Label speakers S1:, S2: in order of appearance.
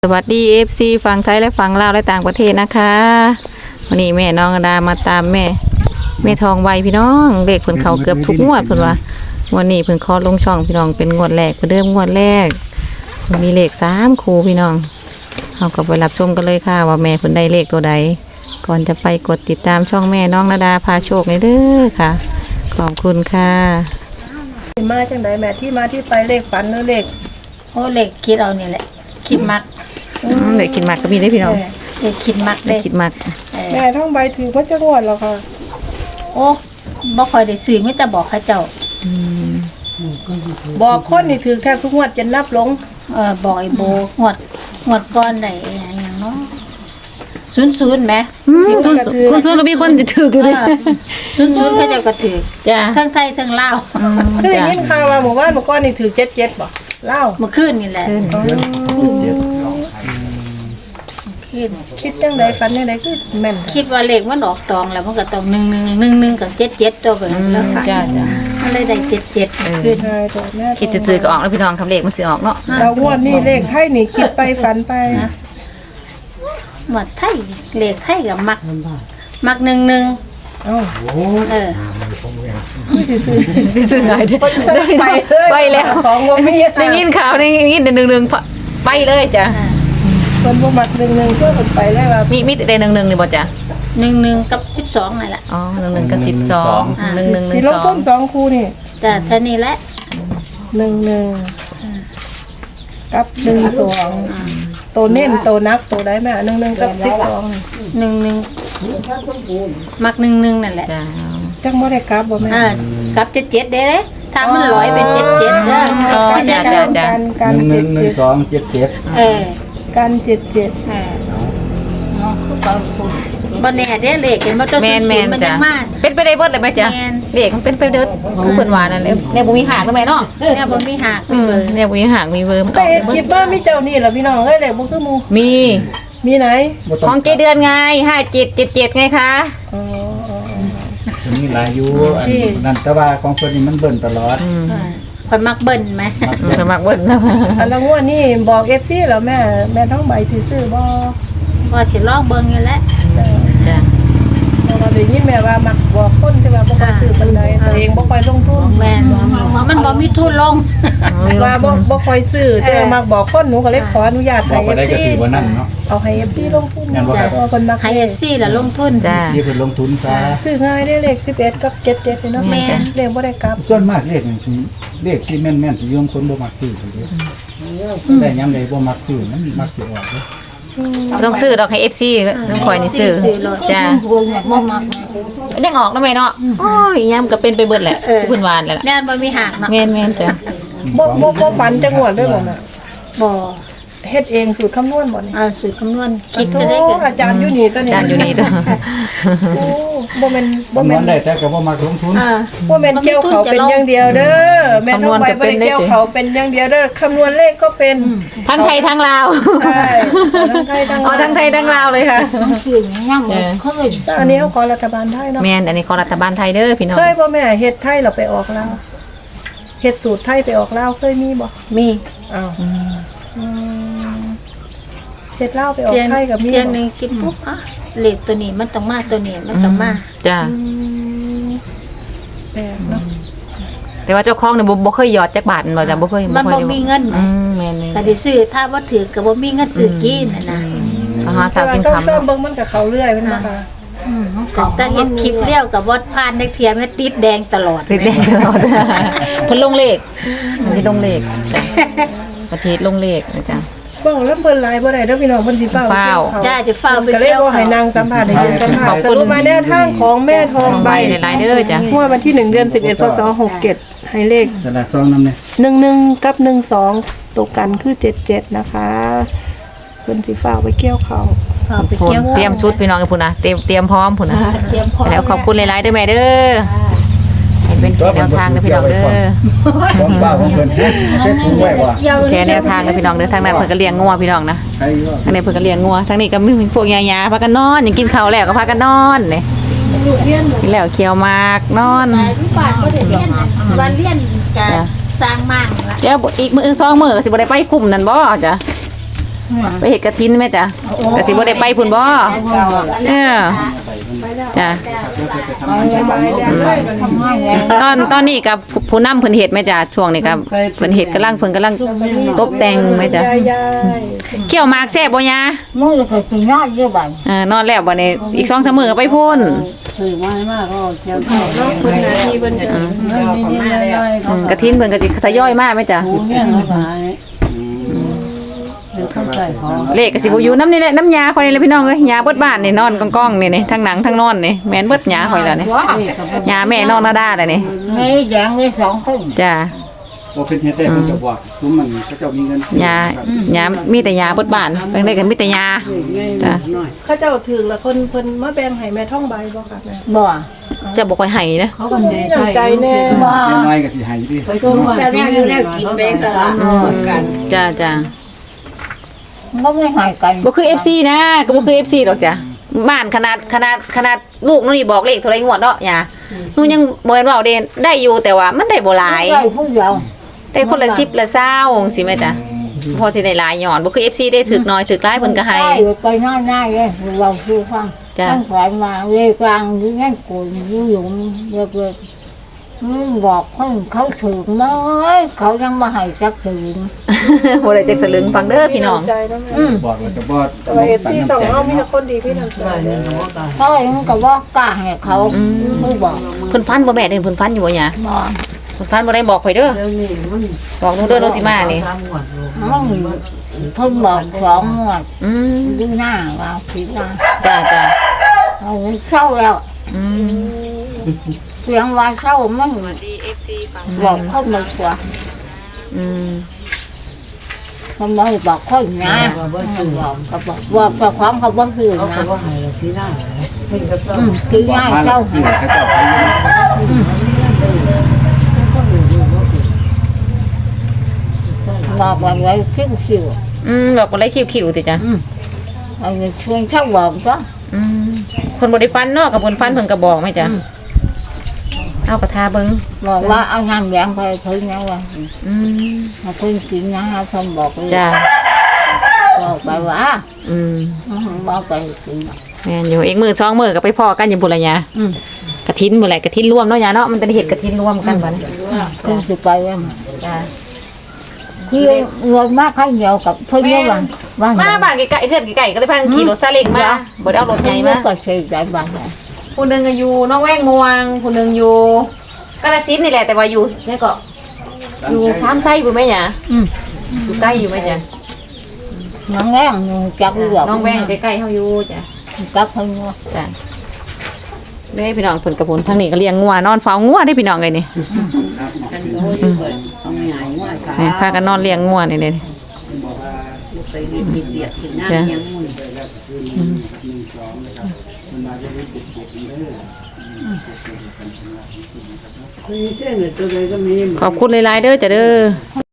S1: สวัสดีFC ฝั่งไทยและฝั่งลาวและต่างประเทศนะคะวันนี้แม่น้องดามาตามแม่ทองใบพี่น้องเลขเพิ่นเขาเกือบทุกงวดเพิ่นว่าวันนี้เพิ่นขอลงช่องพี่น้องเป็นงวดแรกเพิ่นเริ่มงวดแรกเพิ่นมีเลข3คู่พี่น้องเอากลับไปรับชมกันเลยค่ะว่าแม่เพิ่นได้เลขตัวใดก่อนจะไปกดติดตามช่องแม่น้องดาพาโชคเลยเด้อค่ะขอบคุณค่ะ
S2: มาจังไดแม่ที่มาที่ไปเลขฝันหรือเลข
S3: โอ้เล็กคิดเอานี่แหละคิดมัก
S1: เลขคิดมักก็มีได้พี่น้อง
S3: เล็กคิดมัก
S1: เล
S3: เด้
S1: ขคิดมัก
S2: แม่ท่องใบถือพระเจ้างวดแล้วค่ะ
S3: โอ้บ่ค่อยได้ซื้อมีแต่บอกเขาเจ้า
S2: บอกคนนี่ถือแทบทุกงวดจนนับลง
S3: บอกไอ้โบงวดก้อนได้อย่างเนาะ00แหม
S1: คุณซูนก็มีคนถืออยู่ด้วย
S3: 00เขาเจ้าก็ถือ
S1: จ้า
S3: ทั้งไทยทั้งลาว
S2: คือได้ยินข่าวว่าหมู่บ้านเมื่อก่อนนี่ถือ77บ่เล่า
S3: เมื่อคืนนี่แหละคืน
S2: คิดจังไดฝันจังไดคือแม่น
S3: คิดว่าเลขมันออกตองแล้วมันก็ต้อง1111กับ77ตัวไปแล้วค่ะ
S1: จ้า
S3: มันเลยได้77ขึ้น
S2: ใช่ตัวแม่
S1: คิดจะซื้อก็ออกแล้วพี่น้องคำเลขมันซื้อออกเนาะ
S2: เรางวดนี่เลขไทยนี่คิดไปฝันไป
S3: หมดไทยเลขไทยกับมัก11
S2: เอ้า
S1: ไม่ซื้อไงเด้ ไปแล้ว
S2: ของบ่มี
S1: ได้ยินข่าวได้ยินหนึ่งไปเลยจ้ะ
S2: เพิ่นบ่มัก1-1เพื่อเพิ่นไปแล้วว่า
S1: มีแต่หนึ่งนี่บ่จ้ะ
S3: 11กับ12นั่นแหละ
S1: อ๋อ1กับ12
S2: สิลงทุน2คู่นี่
S3: แต่ท่านี้แหละ
S2: 11กับ12ตัวเน้นตัวนักตัวใดแม่11กับ12นี่
S3: 11มัก11นั่นแหละ
S1: จ้ะ
S2: จังบ่ได้กลับบ่แม่
S3: กับ77เด้เด้ถ้ามัน100เป็น77เด้อ
S2: การ
S4: 1 1 1 2 7 7
S3: เออ
S2: การ77
S3: เออบ่แน่เด้เลขเห็นบ่ตัว
S1: แม่น
S3: มัน
S1: จ้ะ
S3: ยังมา
S1: เป็นไปได้เบิดเลยไหมจ้ะ
S3: แม่น
S1: เลขมันเป็นไปเด้อผู้เพิ่นว่านั่นแหละเนี่ยบ่มีหางทำไมเนาะ
S3: เนี่ยบ่มีหักมีเบอร์
S1: เนี่ยบ่มีหางมีเบอร์
S2: แต่เฮ็ดคลิปมามีเจ้านี่ล่ะพี่น้องเอ้ยแหละบ่คือหมู่
S1: มี
S2: มีไหน
S1: ของเจเดือนไง5777ไงคะ
S2: อ๋อ
S4: มีหลายอยู่อันนั้นแต่ว่าของเพิ่นนี่มันเบิ่นตลอด
S3: ข่อยมักเบิ่นไหม
S1: สมัครเบิดแล้ว
S2: อันละงวดนี่บอก FC แล้วแม่ท้องใบสิซื้อบ่
S3: ว่าสิลองเบิ่งอยู่แหละ
S1: จ้ะ
S2: เพราะว่าได้ยินแม่ว่ามักบอกคนที่ว่าบ่ค่อยซื้อปานใดตัวเองบ่ค่อยลงทุน
S3: แม่นมันบ่มีทุนลง
S2: ว่าบ่ค่อยซื้อแต่ว่ามักบอกคนหนูก็เลยขออนุญาต
S4: บอ
S2: ให้
S4: กว่าได้
S2: FC
S4: ก็ถือว่านั่นเนาะ
S2: เอาให้ FC ลงทุน
S4: แม่นบ่ครับ
S2: เพราะว่าเพิ่นมัก
S3: ให้ FC ล่ะลงทุน
S1: จ้ะ
S4: ที่เพิ่นลงทุนซะ
S2: ซื้อง่ายได้เลข11กับ77นี่เนาะ
S3: แม่น
S2: เลขบ่ได้กลับ
S4: ส่วนมากเลขนี่สิเลขที่แม่นๆสิยอมคนบ่มักซื้อเด้แต่ยามใดบ่มักซื้อมันมักสิออกเด้
S1: ต้องซื้อดอกให้ FC ต้องคอยนี่ซื้อจ้ะยังออกแล้วแม่เนาะโอ้ยยามก็เป็นไปเบิดแหละเพิ่นว่าแหละ
S3: แน่นบ่มีหักเนาะ
S1: แม่นจ้ะ
S2: บ่ฝันจังหวดด้วยบ่แม่
S3: บ่
S2: เฮ็ดเองสูตรคำนวณบ่นี่
S3: สูตรคำนวณคิดจะได้
S2: โอ้
S3: เกิน
S2: อาจารย์อยู่นี่ตัวนี้
S1: จานอยู่นี่ตัว
S2: โอ้บ่แม่น
S4: คำนวณได้แต่ก็บ่มักลงทุน
S2: บ่แม่นเกี่ยวเขาเป็นอย่างเดียวเด้อแม่นต้องไปบ่ได้เกี่ยวเขาเป็นอย่างเดียวเด้อคำนวณเลขก็เป็น
S1: ทั้งไทยทั้งลาว
S2: ใช่ทั้งไทยทั้ง
S1: อ๋อทั้งไทยทั้งลาวเลยค่ะ
S3: คือยังบ่เคย
S2: แต่อันนี้เขาขอรัฐบาลไทยเนาะ
S1: แม่นอันนี้ของรัฐบาลไทยเด้อพี่น้อง
S2: เคยบ่แม่เฮ็ดไทยเราไปออกลาวเฮ็ดสูตรไทยไปออกลาวเคยมีบ่
S3: มี
S2: อ้าวเฮ็ดลาวไปออกไทยก็มี
S3: เที่ยง
S2: บ่
S3: นึงกินปุ๊บเลขตัวนี้มันต้องมาตัวนี้มันต้องมา
S1: จ้ะ
S2: แปลกเนาะ
S1: แต่ว่าเจ้าของเนี่ยบ่เคยหยอดจักบาทบ่จ้ะบ่เคย
S3: มันบ่มีเงิน
S1: แม่น
S3: ก็ได้ซื้อถ้าบ่ถือก็บ่มีเงินซื้อกินน่ะนะ
S1: ก็หาสาวกิน
S2: แต่
S1: คำ
S2: ซ่อมๆเบิ่งมันก็เข้าเรื่อยแม่นบ่คะ
S3: แต่เห็นคลิปเลี้ยวกับบ่ผ่านในเทียมติดแดงตลอด
S1: ติดแดงตลอดเพิ่นลงเลขมันที่ลงเลขประเทศลงเลขนะจ๊ะ
S2: เบิ่งแล้วเพิ่นหลายบ่ได้เด้อพี่น้องเพิ่นสิเฝ้า
S1: เฝ้า
S3: จ้าจะเฝ้าไป
S2: ก็เลย
S3: เที่ยว
S2: บ่ให้นางสัมภาษณ์ให้ยืนสัมภาษ
S1: ขอบ
S2: ณ์
S1: คุณ
S2: สรุปมาแนวทางของแม่ทองใบ
S1: หลายๆเด้อจ้ะ
S2: งวดวันที่1เดือน11พศ67ให้เลข
S4: แต่ละซองนำเนี่ย
S2: 11กับ12ตกกันคือ77นะคะเพิ่นสิเฝ้าไปเกี่ยวเขา
S3: เฝ้าไป
S1: พุ่น
S3: เที่ยว
S1: เตรียมชุดพี่น้องกันพุ่นนะเตรียมพร้อมพุ่นนะ
S3: เตรียมพร้อม
S1: แล้วขอบคุณหลายๆเด้อแม่เด้อให้เป็นแนวทางเด้อพี่น้องเด้อ
S4: ของป้าของเพิ่นเช็ดถุงไว้บ่
S3: เกี่ยว
S1: แค่แนวทางกับพี่น้องเด้อทางนั้นเพิ่นก็เลี้ยงงัวพี่น้องนะ
S4: ใครว่า
S1: ทางนี้เพิ่นก็เลี้ยงงัวทางนี้ก็มีพวกยาพากันนอนยังกินข้าวแล้วก็พากันนอนนี่กินแล้วเคี้ยวหมากนอน
S3: แต่ลูกบ้านก็ได้เรียนวันเรียนก็สร้างมั่งละ
S1: เดี๋ยวอีกมื้อ2มื้อก็สิบ่ได้ไปกลุ่มนั่นบ่จ้ะไปเฮ็ดกฐินแม่จ้ะก็สิบ่ได้ไปพุ่นบ่เออจ้ะ ตอนนี้กับผู้นำเพิ่นเฮ็ดแม่จ้ะช่วงนี้กับเพิ่นเฮ็ดกำลังตบแต่งแม่จ้ะ
S2: ยาย
S1: เกี่ยวหมากแซ่บบ่ยา
S3: มือก็สินอนอยู่บัด
S1: นอนแล้วบ่นี่อีก 2-3 มื้อก็ไปพุ่น
S5: สื่อมามาก็เชียว
S2: เนาะเพิ่นหน้าที่เพิ่นก็
S1: กฐินเพิ่นก็สิทยอยมาแม่จ้ะ
S5: หูเงี้ยเขาขายเดี๋ยวเข้าใจเขา
S1: เลขก็สิบ่อยู่น้ำนี่แหละน้ำยาข่อยนี่แหละพี่น้องเอ้ยยาเบิดบ้านนี่นอนก้องๆนี่ทั้งหนังทั้งนอนนี่แม่นเบิดยาข่อยแล้วนี่ยาแม่นอนนาดาแล้วนี่
S3: มีแดงมี2คน
S1: จ้ะ
S4: บ่เป็นเฮ็ดได้เพิ่นจะบอกซุมมันเขาเจ้ามีเงินซื้อย
S1: ามีแต่ยาเบิดบ้านเพิ่นได้กันมีแต่ยาจ้ะ
S2: เขาเจ้าถือละคนเพิ่นมาแบ่งให้แม่ท่องใบบ่ค่ะแม่
S3: บ่
S1: จะบ่ค่อยให้นะ
S5: เขาก็
S2: มีน้ำใจแน่
S3: บ่
S4: เงินน้อยก็สิให้ดิ
S5: ไปส่งแต่เนี่ยอยู่แล้วกินเบงตลาดกัน
S1: จ้ะ
S3: บ่ไม่หายกัน
S1: บ่คือ FC นะก็บ่คือ FC ดอกจ้ะบ้านขนาดลูกนี่บอกเลขเท่าไหร่งวดเนาะยาหนูยังบ่เห็นว่าเด่นได้อยู่แต่ว่ามันได้บ่หลาย
S3: ได้ผู้เดียว
S1: ได้คนละ10ละ20จังซี่แม่จ้ะพอสิได้หลายหย่อนบ่คือ FC ได้ถึกน้อยถึกหลายเพิ่นก็ให้
S3: ได้ไปนอนได้เลยเราคือฟัง
S1: จ้ะ
S3: ตั้งแขวนมาเวกลางนี่งั้นกูอยู่หยุมเลิกบอกคนเขาถึงน้อยเขายังมาให้จักถึง
S1: บ่ได้จักสลึงฟังเด้อพี่น้อง
S2: มีำใจเนาะแม่
S4: บอกแล้วก็บ่
S2: แต่ว่า FC สองเฮามีแต่คนดีพี่น้ำใจ
S5: ได้เนี่ยหนูก็
S3: เขาเองก็บอกกล้าให้เขาไม่บอก
S1: เพิ่นฟันบ่แม่เด้เพิ่นฟันอยู่บ่หยา
S3: บอก
S1: เพิ่นฟันบ่ได้บอกข่อยเด้อ
S5: เดี๋ยวนี้มัน
S1: บอกหนูเด้อโนสิมานี่
S5: ทำหมดลูก
S3: มันเพิ่งบอก2 งวด
S1: อืม
S3: ดูหน้าว่าผิดหน้า
S1: จ้ะ
S3: เอาเศร้าแล้ว
S1: อืม
S3: เสียงว่าเศร้ามันบอกเขาไม่กลัว
S1: อืม
S3: เขาไม่บอกคนนะบอกเขาบอกว่าเจ้าของเขาบอกคือ
S5: เขา
S3: นะ
S5: ก็ว่าให้เราที่หน้า
S3: คือ
S4: บอก
S3: ง่าย
S4: มาแล้
S3: เศร้าว
S4: ซื้อเขาเจ้าไปอยู่
S3: บอกว่าไว้คิ้วคิ้ว
S1: บอกบ่ได้คิวๆติจ้ะ
S3: เอาเงินชวนเขาบอกก็
S1: อืมเพิ่นบ่ได้ฟันเนาะกับเพิ่นฟันเพิ่นก็บอกไหมจ้ะเอากระทาเบิ่ง
S3: บอกว่าเอาน้ำแดงไปถึงนะว่า
S1: อืม
S3: มาคุยกินนะเขาบอกเลย
S1: จ้ะ
S3: บอกไปว่า
S1: อืม
S3: บอกไปกิน
S1: แม่นอยู่อีกมื้อ2มื้อก็ไปพ้อกันอยู่พุ่นละหยา
S3: อืม
S1: กฐินบ่แหละกฐินรวมเนาะหยาเนาะมันจะได้เฮ็ดกฐินรวมกันบัดนี้
S3: คุณจะไปว่า
S1: จ้ะ
S3: คือเงินมากข้าวเหนียวกับเพื่อนว่าบ้าน
S1: มาบ้านไกลๆเฮือนไกลๆก็เลยพากันขี่รถซาเล้งมาบ่ได้เอารถใหญ่มา
S3: ก็ใช้ใจบ้าน
S1: ผู้หนึงก็อยู่น้องแว้งม่วงผู้หนึงอยู่กาฬสินธุ์นี่แหละแต่ว่าอยู่นี่ก็อยู่สามไส้พุ่นแม่หยาอยู่ใกล้อยู่แม่จ้ะ
S3: น้องแง่งจับหลอก
S1: น้องแว้งใกล้ๆเฮาอยู่จ้ะ
S3: จับเพิ่นว่า
S1: จ้ะเด้พี่น้องเพิ่นกับพุ่นทางนี้ก็เลี้ยงงัวนอนเฝ้างัวได้พี่น้องเอ้ยนี่
S5: กันโอ้ยเอาใหญ่ว่าขา
S1: นี่พากันนอนเลี้ยงงัวนี่เด้
S5: ไปเบียดกินน้ำยังมุ่น คือเส้นตัวใดก็มี
S1: ขอบคุณหลายๆเด้อจ้ะเด้อ